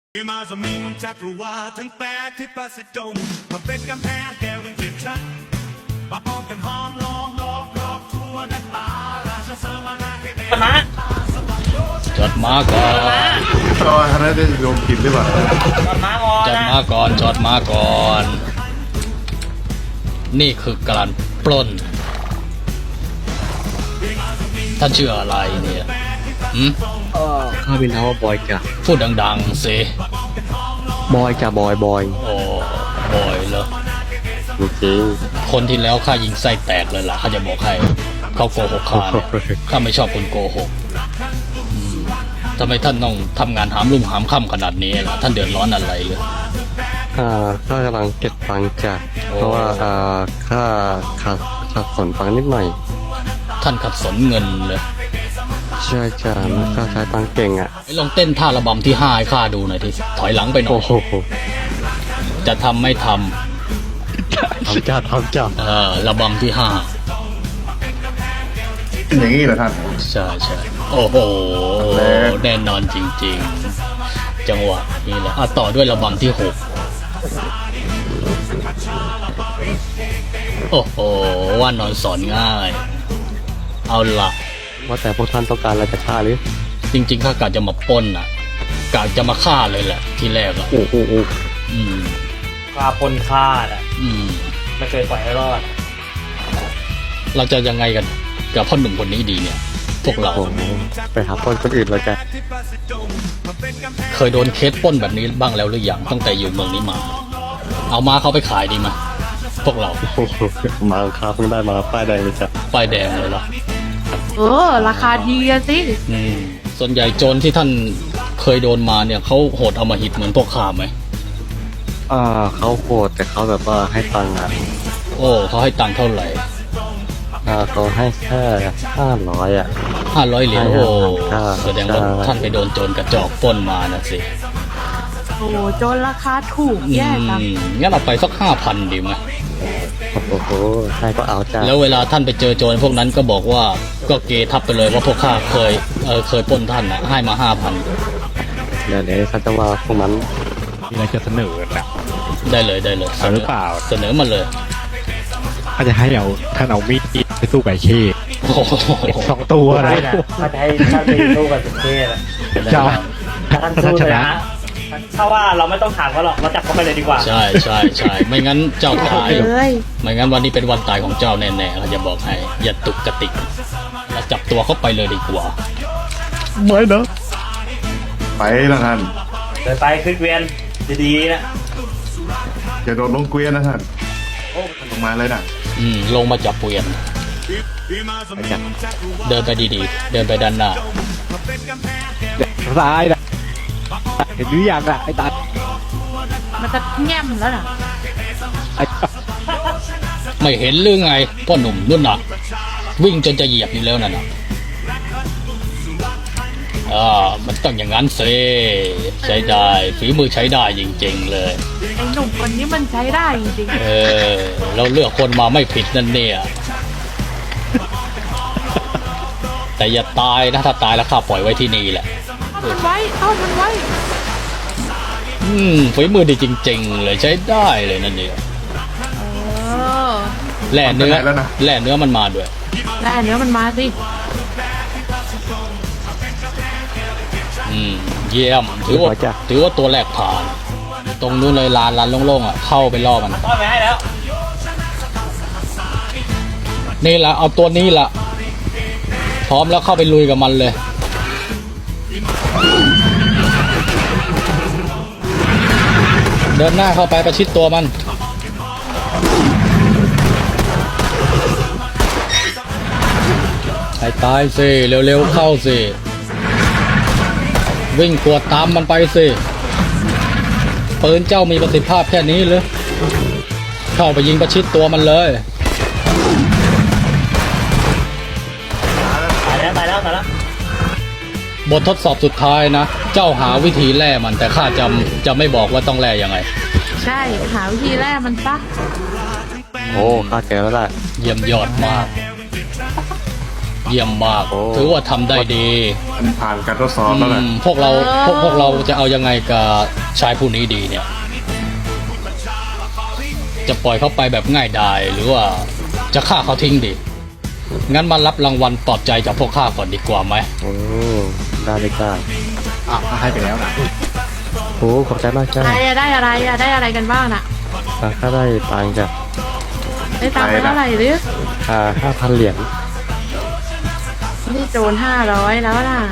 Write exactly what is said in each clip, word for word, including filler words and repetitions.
มาสมิงจักรวาลทั้งแปดที่ประสิทธิ์จงมาเป็นกำแพงแก้วเป็นเกล็ดชัดมาพร้อมกันหอมล้อมรอบรอบทั่วนักตาราชเสมานาให้เป็นมาจดมาก่อนก็ท่านได้โยมผิดหรือเปล่าจอดม้างอนจดนะมาก่อนจดมาก่อน นี่คือการปล้น ท่านชื่ออะไรเนี่ยหืมเออข้าเป็นน้าว่าบอยจ้ะพูดดังๆสิบอยจ้ะบอยบอยโอ้บอยเหรอจริงคนที่แล้วข้ายิงไส้แตกเลยล่ะข้าจะบอกให้เขาโกหกข้าเนี่ยข้าไม่ชอบคนโกหกอืมทำไมท่านต้องทำงานหามรุ่มหามค่ำขนาดนี้ล่ะท่านเดือดร้อนอะไรเลยอ่าข้ากำลังเก็บตังค์จ้ะโอ้เพราะว่าอ่าข้าขาดขาดสนตังค์นิดหน่อยท่านขัดสนเงินเลยใช่จ้ะแล้วข้าใช้ตังค์เก่งอ่ะลองเต้นท่าระบำที่ห้าให้ข้าดูหน่อยทีถอยหลังไปหน่อโอ้ยโหจะทำไม่ททำจ้ะทำจ้ะำเออระบำที่ห้าอย่างนี้เหรอท่านใช่ใช่โอ้โหแล้วแน่นอนจริงๆ จังหวะนี้แหละอ่ะต่อด้วยระบำที่หกโอ้โหว่านอนสอนง่าย เอาละว่าแต่พวกท่านต้องการอะไรจากข้าหรือจริงๆข้ากะจะมาปล้นอ่ะกะจะมาฆ่าเลยแหละ ที่แรกอ่ะโอ้โหโอ้อืมคาพลฆ่าน่ะอืมไม่เคยปล่อยให้รอดเราจะยังไงกันกับพ่อหนุ่มคนนี้ดีเนี่ย พวกเราโหไปหาต้นคนอื่นเลยจ้ะเคยโดนเคสปล้นแบบนี้บ้างแล้วหรือยังตั้งแต่อยู่เมืองนี้มา เอามาเขาไปขายดีไหมพวกเราโอ้โหมาข้าเพิ่งได้มาป้ายแดงเลยจ้ะป้ายแดงเลยเหรอเออ ราคาดีอะสิอืมส่วนใหญ่โจรที่ท่านเคยโดนมาเนี่ยเขาโหดอำมหิตเหมือนพวกข้าไหมอ่าเขาโหดแต่เขาแบบว่าให้ตังค์อ่ะโอ้เขาให้ตังค์เท่าไหร่อ่าเขาให้แค่ห้าร้อยอ่ะห้าร้อยเหรียญใช่โอ้ครับแสดงว่าใช่ท่านไปโดนโจรกระจอกปล้นมานะสิโอ้โหโจนราคาถูกอืแย่จังมงั้นเอาไปสักห้าพันดีไหมโอ้โหให้ก็เอาจ้ะแล้วเวลาท่านไปเจอโจรพวกนั้นก็บอกว่าก็เกทับไปเลยว่าพวกข้าเคยเออเคยปล้นท่านนะให้มาห้าพันเดี๋ยวเดี๋ยวข้าจะว่าพวกนั้นมีอะไรจะเสนอนะได้เลยได้เลยเอาหรือเปล่าเสนอมาเลยถ้าจะให้เอาท่านเอามีดไปสู้ไก่เช่โอ้โหสองตัวนะได้นะถ้าจะให้ท่านไปสู้กับสุเทพอะจะถ้าท่านสู้เลยนะถ้าว่าเราไม่ต้องถามเขาหรอกเราจับเขาไปเลยดีกว่าใช่ใช่ใช่ไม่งั้นเจ้าตายเลยไม่งั้นวันนี้เป็นวันตายของเจ้าแน่ๆเราจะบอกให้อย่าตุกกระติกเราจับตัวเขาไปเลยดีกว่าไม่นะไปแล้วท่านเดินไปขึ้นเกวียนดีๆนะอย่าโดดลงเกวียนนะท่านโอ้ลงมาเลยนะอืมลงมาจับเปลี่ยนเดินไปดีๆ เดินไปด้านหน้าซ้ายนะเห็นหรือยังล่ะไอ้ตามันจะแง้มแล้วน่ะไอ้ไม่เห็นหรือไงพ่อหนุ่มนุ่นน่ะ วิ่งจนจะเหยียบอยู่แล้วนั่นน่ะอ่ามันต้องอย่างนั้นสิใช้ได้ฝีมือใช้ได้จริงๆเลยไอ้หนุ่มคนนี้มันใช้ได้จริงเออ เราเลือกคนมาไม่ผิดนั่นเนี่ย แต่อย่าตายนะถ้าตายแล้วข้าปล่อยไว้ที่นี่แหละๆเอามันไว้เอามันไว้อืมฝีมือดีจริง ๆ เลยใช้ได้เลยนั่นเนี่ยเออแล่เนื้อแล่เนื้อมันมาด้วยแล้วอันเนี้ยมันมาสิอืมเยี่ยมถือว่าถือว่าตัวแรกผ่าน ตรงนู้นเลยลานลานโล่งๆอ่ะเข้าไปล่อมันต้อนไปให้แล้วนี่แหละเอาตัวนี้ละพร้อมแล้วเข้าไปลุยกับมันเลย เดินหน้าเข้าไปประชิดตัวมันให้ตายสิเร็วๆเข้าสิวิ่งกวดตามมันไปสิปืนเจ้ามีประสิทธิภาพแค่นี้หรือเข้าไปยิงประชิดตัวมันเลยตายแล้วตายแล้วตายแล้วบททดสอบสุดท้ายนะ เจ้าหาวิธีแล่มันแต่ข้าจำจะไม่บอกว่าต้องแล่ยังไงใช่ หาวิธีแรกมันซะโอ้ข้าเจอแล้วแหละเยี่ยมยอดมาก เยี่ยมมากโอ้ถือว่าทำได้ดีท่านผ่านการทดสอบแล้วแหละอืมพวกเราพวกพวกเราจะเอายังไงกับชายผู้นี้ดีเนี่ย จะปล่อยเขาไปแบบง่ายดายหรือว่าจะฆ่าเขาทิ้งดีงั้นมารับรางวัลปลอบใจจากพวกข้าก่อนดีกว่าไหมโอ้ได้เลยจ้าอ่ะให้ไปแล้วนะโอ้ขอบใจมากจ้าอะไรอะได้อะไรอะได้อะไรกันบ้างน่ะอ่ะข้าได้ตังค์จ้ะได้ตังค์ไปเท่าไหร่หรือค่าห้าพันเหรียญนี่โจรห้าร้อยแล้วน่ะ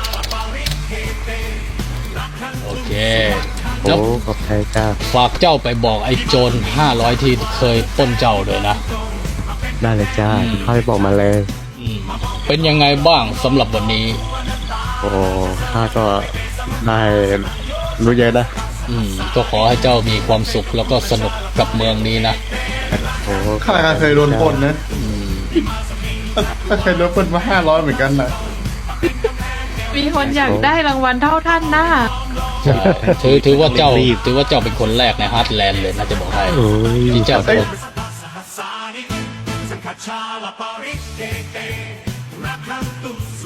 โอเคโอ้แล้วขอบใจจ้าฝากเจ้าไปบอกไอ้โจรห้าร้อยที่เคยปล้นเจ้าด้วยนะได้เลยจ้าอืมข้าไปบอกมาเลยอืมเป็นยังไงบ้างสำหรับวันนี้โอ้ข้าก็ได้รู้เยอะนะอืมก็ขอให้เจ้ามีความสุขแล้วก็สนุกกับเมืองนี้นะโอ้ข้าก็เคยโดนปล้นนะถ้าเคยโดนปล้นมาห้าร้อยเหมือนกันนะมีคนอยากได้รางวัลเท่าท่านนะถือถือว่าเจ้าถือว่าเจ้าเป็นคนแรกในฮาร์ดแลนด์เลยนะจะบอกให้โอ้ยที่เจ้าโดน Sasani, Sakachala Parikete, Rakantu